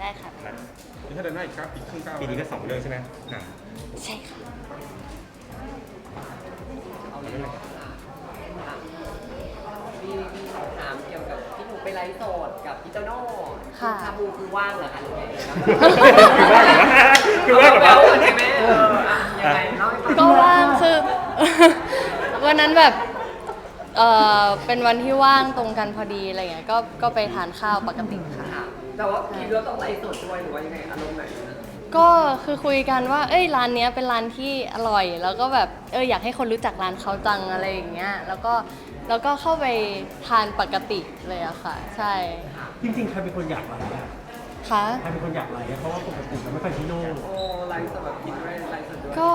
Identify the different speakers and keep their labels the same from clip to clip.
Speaker 1: ได้ค่ะ
Speaker 2: นี่ถ้าเดินหน้าอีกครับอีกครึ่งก้าว
Speaker 3: ปีนี้ก็2 เรื่องใช่ไหมหนัง
Speaker 1: ใช่ค่ะ
Speaker 4: เอาเลยมีคำถามเกี่ยวกับที่หนูไปไลฟ์สดกับพี่โตโน่ชาบูคือว่างเหรอคะหรือไง
Speaker 3: คือว่าแบบว่า
Speaker 4: ใช่ไหมยังไงเล่าให้ฟัง
Speaker 1: ก็ว่างคือ วันนั้นแบบเป็นวันที่ว่างตรงกันพอดีอะไรเงี้ยก็ไปทานข้าวปกติค่ะ
Speaker 4: แต่ว่าคิดว่าต้องไลฟ์สดด้วยหรือว่ายังไงอารมณ์ไหน
Speaker 1: ก็คือคุยกันว่าเอ้ยร้านเนี้ยเป็นร้านที่อร่อย แล้วก็แบบอยากให้คนรู้จักร้านเขาจังอะไรอย่างเงี้ยแล้วก็เข้าไปทานปกติเลยอะค่ะใช่
Speaker 5: จริงๆใครเป็นคนอยากไลฟ์อะ
Speaker 1: ค่ะ
Speaker 5: ใครเป็นคนอยากไลฟ์อะเพราะว่าปกติมันไม่ค่อยพี่โน่
Speaker 4: โอ้ไลฟ์สดแบบกินด้วยไลฟ์สดด้วย
Speaker 1: ก็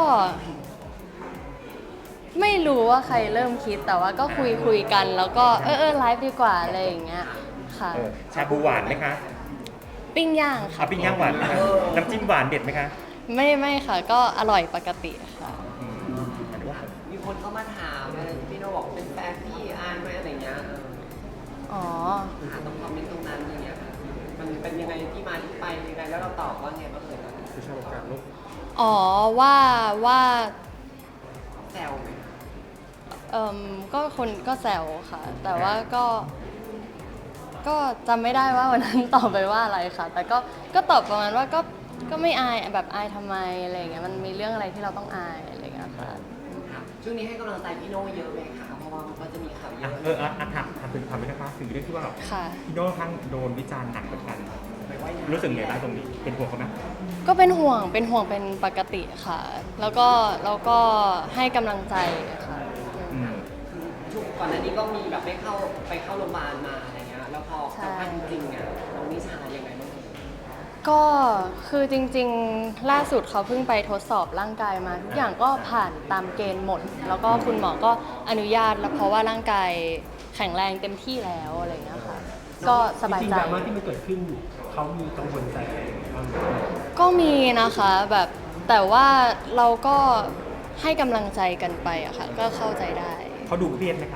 Speaker 1: ไม่รู้ว่าใครเริ่มคิดแต่ว่าก็คุยกันแล้วก็ไลฟ์ดีกว่าอะไรอย่างเงี้ยค่ะ
Speaker 3: ชาบูหวานไหมคะ
Speaker 1: ปิ้งย่างค่ะ
Speaker 3: ปิ้งย่างหวานไหมคะน้ำจิ้มหวานเด็ดไหมคะ
Speaker 1: ไม่ค่ะก็อร่อยปกติค่ะ
Speaker 4: มีคนเข้ามาถามพี่โน่บอกเป็นแฟนพี่อานไหมอะไรเงี้ย
Speaker 1: อ๋อ
Speaker 4: ตรงคอมเมนต์ตรงนั้นอย่างเงี้ยมันเป็นยังไงที่มาที่ไปยังไงแล้วเราตอบว่าไงบ้างเลย
Speaker 2: คือชอบการลุก
Speaker 1: อ๋อว่า
Speaker 4: แซวไหม
Speaker 1: ก็คนก็แซวค่ะ แต่ว่าก็จำไม่ได้ว่าวันนั้นตอบไปว่าอะไรค่ะ แต่ก็ตอบประมาณว่าก็ไม่อายแบบอายทำไมอะไรอย่างเงี้ยมันมีเรื่องอะไรที่เราต้องอายอะไรอย่างเงี้ยค่ะ
Speaker 4: ช่วงนี้ให้กำลังใจพี่โน่เยอะไหมคะเพราะว่ามันก็จะมีข่าวเยอะ
Speaker 3: ถามถึงความเป็นนะคะถึงเรื่องที่ว่าแบบ
Speaker 1: ค่ะ
Speaker 3: พี่โน่ทั้งโดนวิจารณ์หนักเหมือนกันรู้สึกไงบ้างตรงนี้เป็นห่วงเขาไหม
Speaker 1: ก็เป็นห่วงเป็นปกติค่ะ แล้วก็ให้กำลังใจค่ะ
Speaker 4: ช่วงก่อนหน้านี้ก็มีแบบไปเข้าโรงพยาบาลมาอะไรเงี้ยแล้วพอสัมภาษณ์จริงๆอ่ะน้องนิชายังไงบ้าง
Speaker 1: ก็คือจริงๆล่าสุดเขาเพิ่งไปทดสอบร่างกายมาทุกอย่างก็ผ่านตามเกณฑ์หมด แล้วก็คุณหมอก็อนุญาตแล้วเพราะว่าร่างกายแข็งแรงเต็มที่แล้วอะไรอย่างเงี้ยค่ะก็สบาย
Speaker 5: จริง
Speaker 1: ใจ
Speaker 5: ๆดราม่าที่มันเกิดขึ้นเขามีกังวลใจอะไรบ้างไหม
Speaker 1: ก็มีนะคะแบบแต่ว่าเราก็ให้กำลังใจกันไปอะค่ะก็เข้าใจได้
Speaker 3: เขาดูเครียดไหมคะ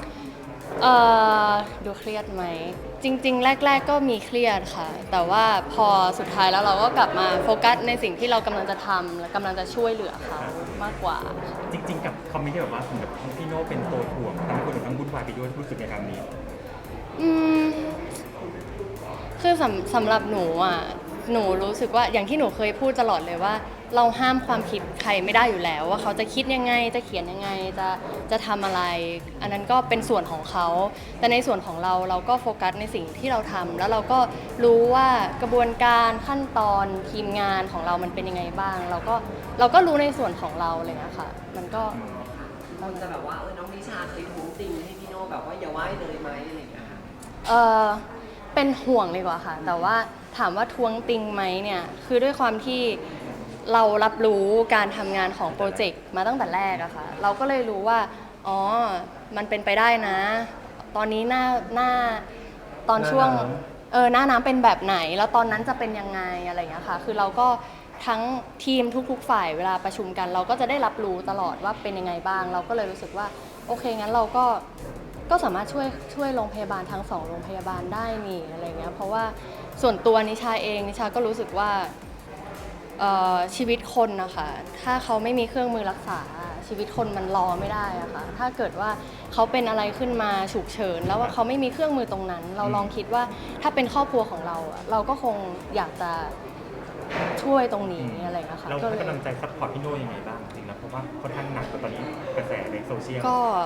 Speaker 1: ดูเครียดไหมจริงๆแรกๆก็มีเครียดค่ะ แต่ว่าพอสุดท้ายแล้วเราก็กลับมาโฟกัสในสิ่งที่เรากำลังจะทำและกำลังจะช่วยเหลือเขามากกว่า
Speaker 3: จริงๆกับคอมเมนต์ที่แบบว่าแบบพี่โน่เป็นตัวถ่วงทำให้คนแบบทั้งวุ่นวายไปด้วยรู้สึกในครั้งนี้
Speaker 1: อืมคือสำหรับหนูอ่ะหนูรู้สึกว่าอย่างที่หนูเคยพูดตลอดเลยว่า เราห้ามความคิดใครไม่ได้อยู่แล้ว ว่าเขาจะคิดยังไงจะเขียนยังไงจะทำอะไร อันนั้นก็เป็นส่วนของเขา แต่ในส่วนของเราก็โฟกัสในสิ่งที่เราทำแล้วเราก็รู้ว่ากระบวนการขั้นตอนทีมงานของเรามันเป็นยังไงบ้าง เราก็รู้ในส่วนของเราเลยนะคะมันก็
Speaker 4: คนจะแบบว่าน้องนิชาเคยท้วงติงให้พี่โน่แบบว่าอย่าไหว้เลยไหมอะไรอย่างเงี้ยค่ะ
Speaker 1: เป็นห่วงเลยกว่าค่ะ แต่ว่าถามว่าทวงติงไหมเนี่ยคือด้วยความที่เรารับรู้การทำงานของโปรเจกต์มาตั้งแต่แรกอะค่ะเราก็เลยรู้ว่าอ๋อมันเป็นไปได้นะ ตอนนี้หน้าตอนช่วงหน้าน้ำเป็นแบบไหน แล้วตอนนั้นจะเป็นยังไงอะไรอย่างเงี้ยค่ะคือเราก็ทั้งทีมทุกๆฝ่ายเวลาประชุมกัน เราก็จะได้รับรู้ตลอดว่าเป็นยังไงบ้าง เราก็เลยรู้สึกว่าโอเคงั้นเราก็สามารถช่วยโรงพยาบาลทั้ง2โรงพยาบาลได้นี่อะไรเงี้ยเพราะว่าส่วนตัวนิชาเองนิชาก็รู้สึกว่าชีวิตคนนะคะถ้าเขาไม่มีเครื่องมือรักษาชีวิตคนมันรอไม่ได้อะค่ะถ้าเกิดว่าเขาเป็นอะไรขึ้นมาฉุกเฉินแล้วว่าเขาไม่มีเครื่องมือตรงนั้น เราลองคิดว่าถ้าเป็นครอบครัวของเราอะเราก็คงอยากจะช่วยตรงนี้อะไรเงี้ยค่ะ
Speaker 3: เรา
Speaker 1: ก็
Speaker 3: ให้
Speaker 1: เลย
Speaker 3: กำลังใจซัพพอร์ตพี่โน่ยังไงบ้างจริงๆแล้วเพราะว่าค่อนข้างหนักกว่าตอนนี้กระแสในโซเชียล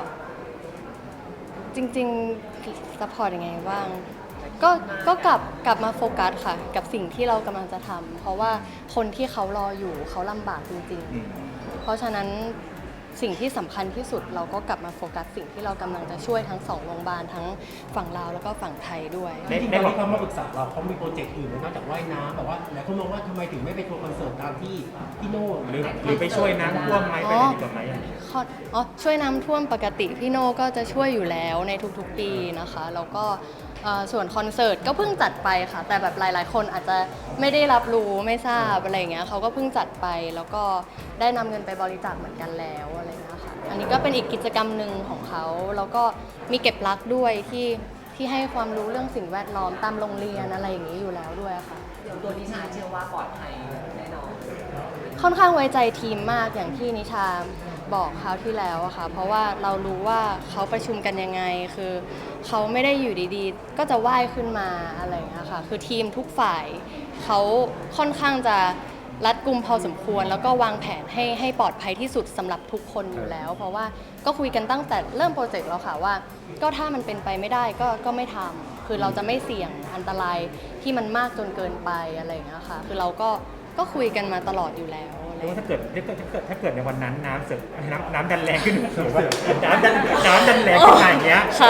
Speaker 1: จริงๆซัพพอร์ตยังไงบ้างก็กลับมาโฟกัสค่ะกับสิ่งที่เรากำลังจะทำเพราะว่าคนที่เขารออยู่เขาลำบากจริงๆเพราะฉะนั้นสิ่งที่สำคัญที่สุดเราก็กลับมาโฟกัสสิ่งที่เรากำลังจะช่วยทั้ง2โรงพยาบาลทั้งฝั่งลาวแล้วก็ฝั่งไทยด้วย
Speaker 5: จริงๆตอนที่เขามาปรึกษาเราเขามีโปรเจกต์อื่นไหมนอกจากว่ายน้ำแบบว่าหลายคนมองว่าทำไมถึงไม่ไปทัวร์คอนเสิร์ตตามที่พี่โน่
Speaker 3: หรือไปช่วยน้ำท่วมไหมไปอะไรดีกว่าไหม
Speaker 1: ช่วยน้ำท่วมปกติพี่โน่ก็จะช่วยอยู่แล้วในทุกๆปีนะคะแล้วก็ส่วนคอนเสิร์ตก็เพิ่งจัดไปค่ะแต่แบบหลายๆคนอาจจะไม่ได้รับรู้ไม่ทราบอะไรอย่างเงี้ยเขาก็เพิ่งจัดไปแล้วก็ได้นำเงินไปบริจาคเหมือนกันแล้วอะไรอย่างเงี้ยค่ะอันนี้ก็เป็นอีกกิจกรรมหนึ่งของเขาแล้วก็มีเก็บรักด้วยที่ให้ความรู้เรื่องสิ่งแวดล้อมตามโรงเรียนอะไรอย่างนี้อยู่แล้วด้วยค่ะ
Speaker 4: อย่างตัวนิชาเชื่อว่าปลอดภัยแน่นอน
Speaker 1: ค่อนข้างไว้ใจทีมมากอย่างที่นิชาบอกคราวที่แล้วอะค่ะเพราะว่าเรารู้ว่าเขาประชุมกันยังไงคือเขาไม่ได้อยู่ดีๆ ก็จะว่ายขึ้นมาอะไรอย่างเงี้ยค่ะคือทีมทุกฝ่ายเขาค่อนข้างจะรัดกุมพอสมควร แล้วก็วางแผนให้ปลอดภัยที่สุดสำหรับทุกคนอยู่แล้ว เพราะว่าก็คุยกันตั้งแต่เริ่มโปรเจกต์แล้วค่ะว่าก็ถ้ามันเป็นไปไม่ได้ก็ไม่ทำคือเราจะไม่เสี่ยงอันตรายที่มันมากจนเกินไปอะไรอย่างเงี้ยค่ะคือเราก็คุยกันมาตลอดอยู่แล้วอะไร
Speaker 3: เพราะ
Speaker 1: อย่าง
Speaker 3: ว่า
Speaker 1: เงี้ย
Speaker 3: ถ้าเกิดในวันนั้นน้ำเสร็จน้ำดันแรงขึ้นหรือว่าน้ำดันแรงขึ้นมาอย่างเงี้ย
Speaker 1: ค่ะ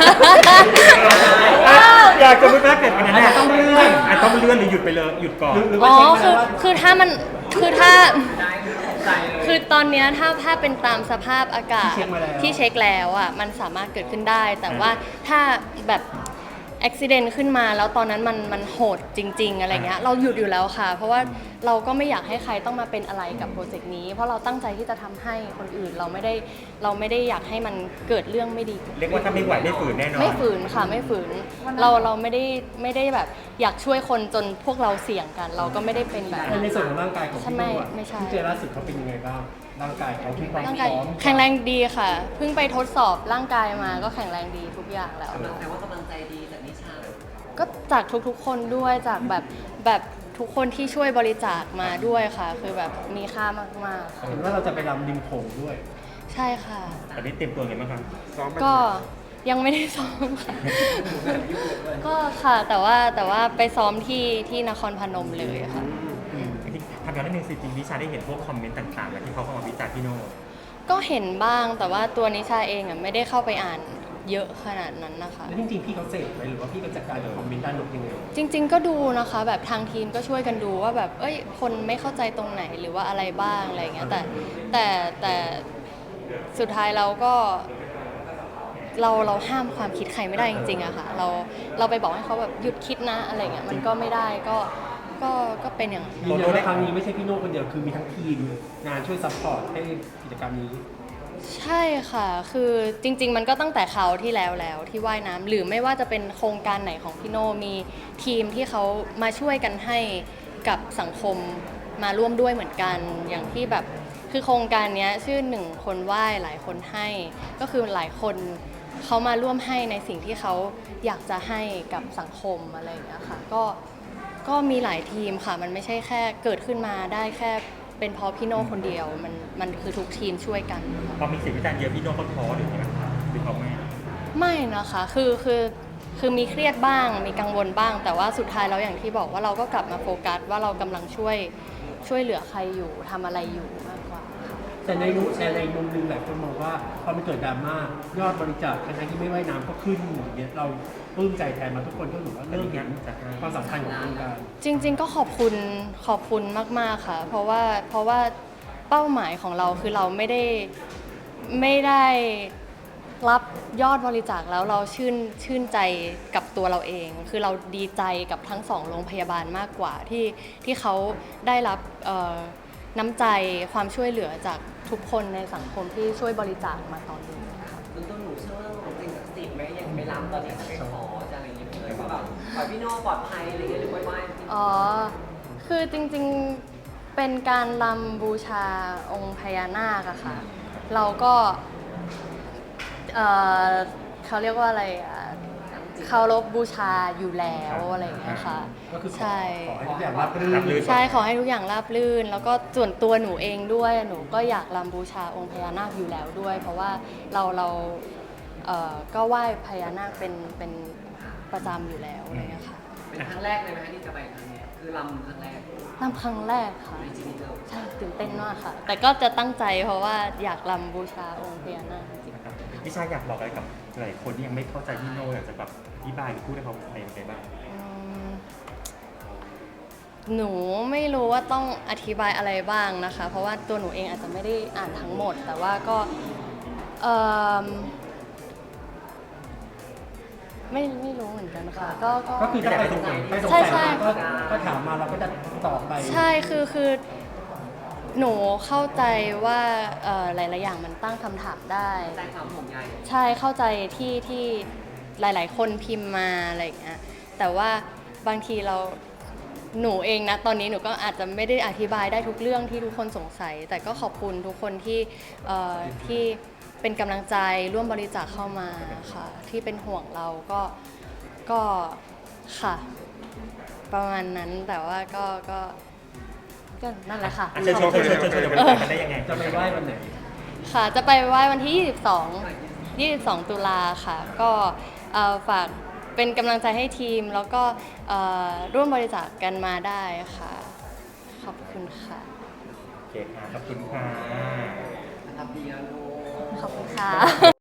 Speaker 3: อยากจะพูดว่าเกิดวันนั้นต้องเลื่อนหรือหยุดไปเลยหยุดก่อน
Speaker 5: หรือ
Speaker 1: อ๋
Speaker 5: ว่า
Speaker 1: อ
Speaker 5: เช็คมาแล้วว่า
Speaker 1: คือถ้ามันคือถ้า
Speaker 4: ได้ตกใจเลย
Speaker 1: คือตอนเนี้ยถ้าเป็นตามสภาพอากาศ
Speaker 5: ที่เช็คมาแล้ว
Speaker 1: ที่เช็คแล้วอ่ะมันสามารถเกิดขึ้นได้ แต่ว่าถ้าแบบอุบิเหตุขึ้นมาแล้วตอนนั้นมันโหดจริง ๆอะไรเงี้ยเราหยุดอยู่แล้วค่ะ เพราะว่าเราก็ไม่อยากให้ใครต้องมาเป็นอะไรกับโปรเจกต์นี้ เพราะเราตั้งใจที่จะทำให้คนอื่นเราไม่ได้อยากให้มันเกิดเรื่องไม่ดี
Speaker 3: เรียกว่าถ้าไม่ไหวไม่ฝืนแน่นอน
Speaker 1: ไม่ฝืนค่ะไม่ฝืนเราไม่ได้แบบอยากช่วยคนจนพวกเราเสี่ยงกัน เราก็ไม่ได้เป็นแบบนั้น
Speaker 5: ในส่วนของร่างกายของพี่โน่อะ
Speaker 1: ไม่ใช่
Speaker 5: ที่เจอล่าสุดเขาเป็นยังไงบ้างร่างกายเขามีความ
Speaker 1: ร่าง
Speaker 5: พ
Speaker 1: กาย
Speaker 5: ร้อม
Speaker 1: แข็งแรงดีค่ะ เพิ่งไปทดสอบร่างกายมาก็แข็งแรงดีทุกอย่างแล้ว
Speaker 4: แต่ว่ากำลังใจดีจากนิชา
Speaker 1: ก็จากทุกๆคนด้วยจากแบบทุกคนที่ช่วยบริจาคมาด้วยค่ะ คือแบบมีค่ามากๆค่ะ
Speaker 5: เห็นว่าเราจะไปรำริมโขงด้วย
Speaker 1: ใช่ค่ะ
Speaker 3: ตอนนี้เตรียมตัวไงบ้างครับ
Speaker 2: ซ้อมไหม
Speaker 1: ก็ยังไม่ได้ซ้อมค่ะ ก็ค่ะแต่ว่าไปซ้อมที่นครพนมเลยค่ะ
Speaker 3: ทำงานนิดนึงสิจริงนิชาได้เห็นพวกคอมเมนต์ต่างๆแล้วที่เขาเข้ามาวิจารณ์พี่โน่
Speaker 1: ก็เห็นบ้างแต่ว่าตัวนิชาเองอ่ะไม่ได้เข้าไปอ่านเยอะขนาดนั้นนะคะ
Speaker 5: แล้วจริงๆพี่เขาเสพไหมหรือว่าพี่ก็จัดการกับคอมเมนต์ด้านลบยังไง
Speaker 1: จริง ๆ ก็ดูนะคะแบบทางทีมก็ช่วยกันดูว่าแบบคนไม่เข้าใจตรงไหนหรือว่าอะไรบ้างอะไรเงี้ยแต่สุดท้ายเราก็เราห้ามความคิดใครไม่ได้จริงๆอะค่ะเราไปบอกให้เขาแบบหยุดคิดนะอะไรเงี้ยมันก็ไม่ได้ก็เป็นอย่างนั้น
Speaker 5: ยืนยันว่าครั้งนี้ไม่ใช่พี่โน่คนเดียวคือมีทั้งทีมงานช่วยซัพพอร์ตให้กิจกรรมนี้
Speaker 1: ใช่ค่ะคือจริง ๆ มันก็ตั้งแต่เขาวที่แล้วที่ว่ายน้ำหรือไม่ว่าจะเป็นโครงการไหนของพี่โน่มีทีมที่เขามาช่วยกันให้กับสังคมมาร่วมด้วยเหมือนกันอย่างที่แบบคือโครงการเนี้ยชื่อ1 คนว่ายหลายคนให้ก็คือหลายคนเขามาร่วมให้ในสิ่งที่เขาอยากจะให้กับสังคมอะไรอย่างเงี้ยค่ะก็มีหลายทีมค่ะมันไม่ใช่แค่เกิดขึ้นมาได้แค่เป็นเพราะพี่โน่คนเดียวมันคือทุกทีมช่วยกัน
Speaker 3: พอมีเสียงวิจารณ์เยอะพี่โน่เขาท้อหรือไงบ้างครับหรือเขาไม่
Speaker 1: ไม่นะคะคือมีเครียดบ้างมีกังวลบ้าง แต่ว่าสุดท้ายแล้วอย่างที่บอกว่าเราก็กลับมาโฟกัสว่าเรากำลังช่วยเหลือใครอยู่ทำอะไรอยู่มากกว่า
Speaker 5: แต่ในมุมหนึงหลายคนมองว่าพอมันเกิดดราม่ายอดบริจาคทั้งๆที่ไม่ว่ายน้ำก็ขึ้นอย่างเงี้ยเราปลื้มใจแทนมาทุกคนก็ถือว่าเริ่มเห็นความสำคัญของโครงการ
Speaker 1: จริง ๆ ก็ขอบคุณมากๆค่ะ เพราะว่าเป้าหมายของเราคือเราไม่ได้รับยอดบริจาคแล้วเราชื่นใจกับตัวเราเอง คือเราดีใจกับทั้ง2 โรงพยาบาลมากกว่าที่เขาได้รับน้ำใจความช่วยเหลือจากทุกคนในสังคมที่ช่วยบริจาคมาตอนนี้ค่ะ
Speaker 4: ตัวหนูเชื่อเรื่องสิ่งศักดิ์สิทธิ์ไหมยังไปรำตอนนี้จะไปขอจะอะไรอย่างเงี้ยเลยว่าแบบขอให้พี่โน่ปลอดภัยอะไรอย่างเงี้ยหรือไหว้จริง
Speaker 1: อ๋อ คือจริงๆ เป็นการรำบูชาองค์พญานาคอะค่ะ เราก็เขาเรียกว่าอะไรอะเคารพบูชาอยู่แล้วอะไรอย่างเงี้ยค่ะ
Speaker 5: ก็คือขอ
Speaker 1: ใช่
Speaker 5: ให้ทุกอย่างราบรื่น
Speaker 1: ใช่ขอให้ทุกอย่างราบรื่น แล้วก็ส่วนตัวหนูเองด้วยหนูก็อยากรำบูชาองค์พญานาคอยู่แล้วด้วย เพราะว่าเราก็ไหว้พญานาคเป็นประจำอยู่แล้วอะไรอย่างเงี้ยค่ะ
Speaker 4: เป็นครั้งแรกเลยไหมคะที่จะไปครั้งเนี้ยคือรำครั้งแรก
Speaker 1: รำครั้งแรกค่ะ
Speaker 4: ในชีวิตเรา
Speaker 1: ใช่ตื่นเต้นมากค่ะ แต่ก็จะตั้งใจเพราะว่าอยากรำบูชาองค์พญานาคจริง
Speaker 3: นะครับนิชาอยากบอกอะไรกับหลายคนที่ยังไม่เข้าใจพี่โน่อยากจะแบบอธิบายหรือพูดให้เขาอะไรยังไงบ้าง
Speaker 1: ๆหนูไม่รู้ว่าต้องอธิบายอะไรบ้างนะคะ เพราะว่าตัวหนูเองอาจจะไม่ได้อ่านทั้งหมด แต่ว่าก็ไม่รู้เหมือนกันค่ะก็
Speaker 5: ก็คือถ้าใครสงสัย
Speaker 1: ใช่ใช่
Speaker 5: ก็ถามมาเราก็จะตอบไป
Speaker 1: ใช่คือหนูเข้าใจว่าหลายๆอย่างมันตั้งคำถามได้
Speaker 4: ใจความห่วงใย
Speaker 1: ใช่เข้าใจที่หลายๆ คนพิมพ์มาอะไรอย่างเงี้ยแต่ว่าบางทีเราหนูเองนะตอนนี้หนูก็อาจจะไม่ได้อธิบายได้ทุกเรื่องที่ทุกคนสงสัย แต่ก็ขอบคุณทุกคนที่เป็นกำลังใจร่วมบริจาคเข้ามาค่ะที่เป็นห่วงเราก็ค่ะ ประมาณนั้นแต่ว่าก็นั่นแหละค่ะ
Speaker 3: อาจจะชวนจะไปกันได้ยังไง
Speaker 5: จะไปไหว้วันไหน
Speaker 1: ค่ะ จะไปไหว้วันที่ 22 ตุลาค่ะ ก็ฝากเป็นกำลังใจให้ทีม แล้วก็ร่วมบริจาคกันมาได้ค่ะ ขอบคุณค่ะ
Speaker 3: โอเคค่ะ ขอบคุณค่ะ
Speaker 4: รับเบียร์โล
Speaker 1: ขอบคุณค่ะ